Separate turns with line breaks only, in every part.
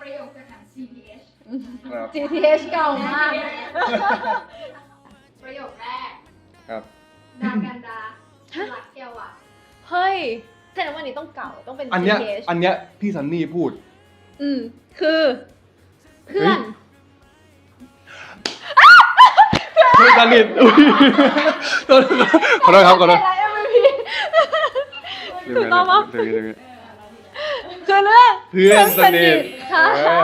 ประโยคจากหนัง GTH
GTH เก่ามาก
ประโยคแรก
ครับ
ดากันดารักเกียวอ่ะ
เฮ้ยแสดงว่าอันนี้ต้องเก่าต้องเป็น
อันเนี้ย
GTH
อันเนี้ยพี่ซันนี่พูด
คือเพื่อน
เพื่อนสนิทอุ๊ยขอโทษครับขอโทษ
ถูกต้องปะ
เดี๋ยว
คือเรื่อง
เพื่อนสนิท
ค่ะ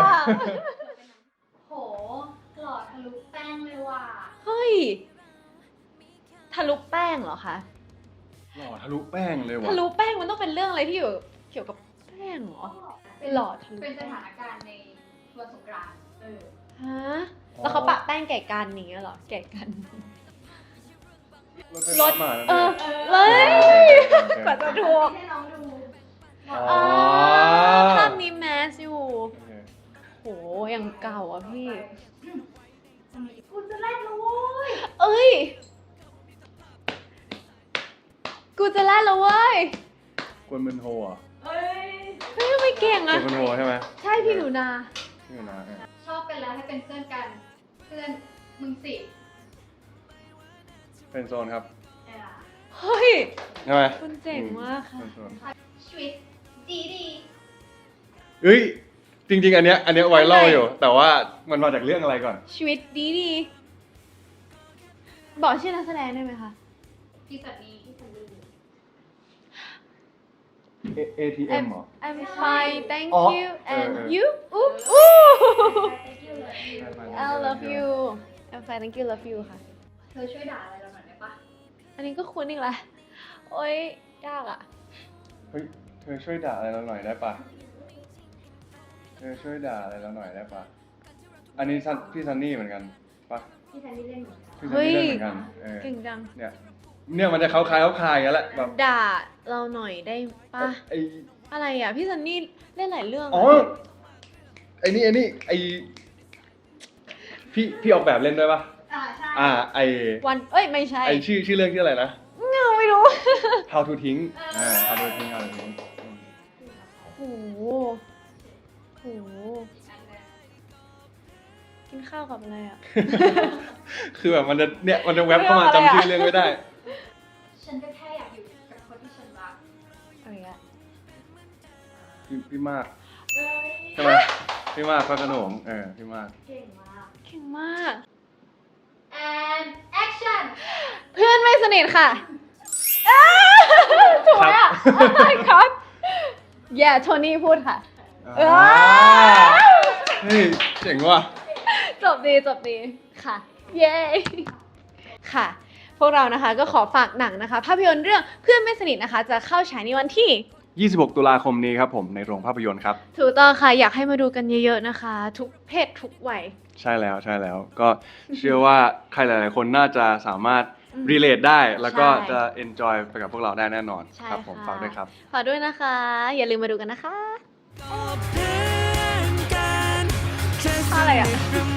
โหหล่อทะลุแป้งเลยว่ะ
เฮ้ยทะลุแป้งเหรอคะ
หล่อทะลุแป้งเลยว่ะ
ทะลุแป้งมันต้องเป็นเรื่องอะไรที่อยู่เกี่ยวกับแป้งเหรอ หล่อทะลุ
เป็นสถานการณ์ในวันสงกรานต์
ฮะแล้วเขาปะแป้งแก่กันอย่างเงี้ยเหรอแก่กัน
รถมาแล้ว
เลยกว่าจะถูก
ให้น้องดู
อ๋อ
ภาพนี้แมสอยู่โหยังเก่าอ่ะพี่
คุณจะเล่นแล้วโว้ย
เอ้ยกูจะแล่นแล้วเว้ย
กวนมันโฮอ่ะ
เฮ้ย
เฮ้ยทำไมเก่ง
กว
อ่ะ
นมันโฮใช่ไหม
ใช่พี่หนูนา
นี่นะ
ชอบกันแล้วให้เป็นเพื่อนกัน เพื่อนมึงสิ
เป็นโซนครับ
เฮ้ย
ใช่ไหม
คุณเจ๋งมากค่ะ
เป็นโซน
ชีวิตดีดี
เฮ้ยจริงๆ อันเนี้ยไวรัลอยู่ แต่ว่ามันมาจากเรื่องอะไรก่อน
ชีวิตดีดีบอกชื่อนักแสดงได้ไหมคะ
พี่สันนี่พี่สันนี่
ATM เหรอ
I'm fine thank
อ๋อ
you
เออ
and
เออ
you ooh I love you I'm fine thank you love you ค่ะ
เธอช่วยด่าอะไรเราหน่อยได้ปะ
อันนี้ก็คุ้นอีกแล้วโอ๊ยยากอ่ะ
เฮ้ย เธอช่วยด่าอะไรเราหน่อยได้ปะเธอช่วยด่าอะไรเราหน่อยได้ปะอันนี้พี่ซันนี่เหมือนกันปะ
พี่สันนี่เล่นเหมือนกัน
พี่ซันนี่เล่นเหมือนกัน
เก่งจัง
เนี่ยมันจะคล้ายอย่างนั้นแหละแบบ
ด่าเราหน่อยได้ปะ
ไอ้
อะไรอ่ะ พี่ซันนี่เล่นหลายเรื่อง
อ๋อ
อะ
ไอ้นี่พี่ออกแบบเล่นด้วยปะ
ใช่
ไอ
วันเอ้ยไม่ใช่
ไอชื่อเรื่องชื่ออะไรนะ
เงาไม่รู้
How to ทิ้งHow to ทิ้ง
โหโหกินข้าวกับอะไรอ่ะ
คือแบบมันจะแวบเข้ามาจำชื่อเรื่องไม่ได้
ฉันก็แค่อยากอยู่กับคนที่ฉันรัก
อะไรอ่ะ
พี่มาก
เอ้ย
ใช่ไหมพี่มากพระโขนงพี่มาก
เก่งมาก
เก่งมาก
and action
เพื่อนไม่สนิทค่ะถูกไหมอ่ะครับอย่าโทนี่พูดค่ะ
เฮ้ยเจ๋งว่ะ
จบดีค่ะ เย้ค่ะ พวกเรานะคะก็ขอฝากหนังนะคะ ภาพยนตร์เรื่องเพื่อนไม่สนิทนะคะ จะเข้าฉายในวันที่
26 ตุลาคมนี้ครับผมในโรงภาพยนตร์ครับ
ถูกต้องค่ะ อยากให้มาดูกันเยอะๆนะคะ ทุกเพศทุกวัย
ใช่แล้วก็เชื่อว่าใครหลายๆคนน่าจะสามารถ relate ได้แล้วก็
ใช่
จะ enjoy ไปกับพวกเราได้แน่นอน
ใช่
ครับผม
ค่ะ
ฝากด้วยครับ
ฝากด้วยนะคะ อย่าลืมมาดูกันนะคะอะไรอ่ะ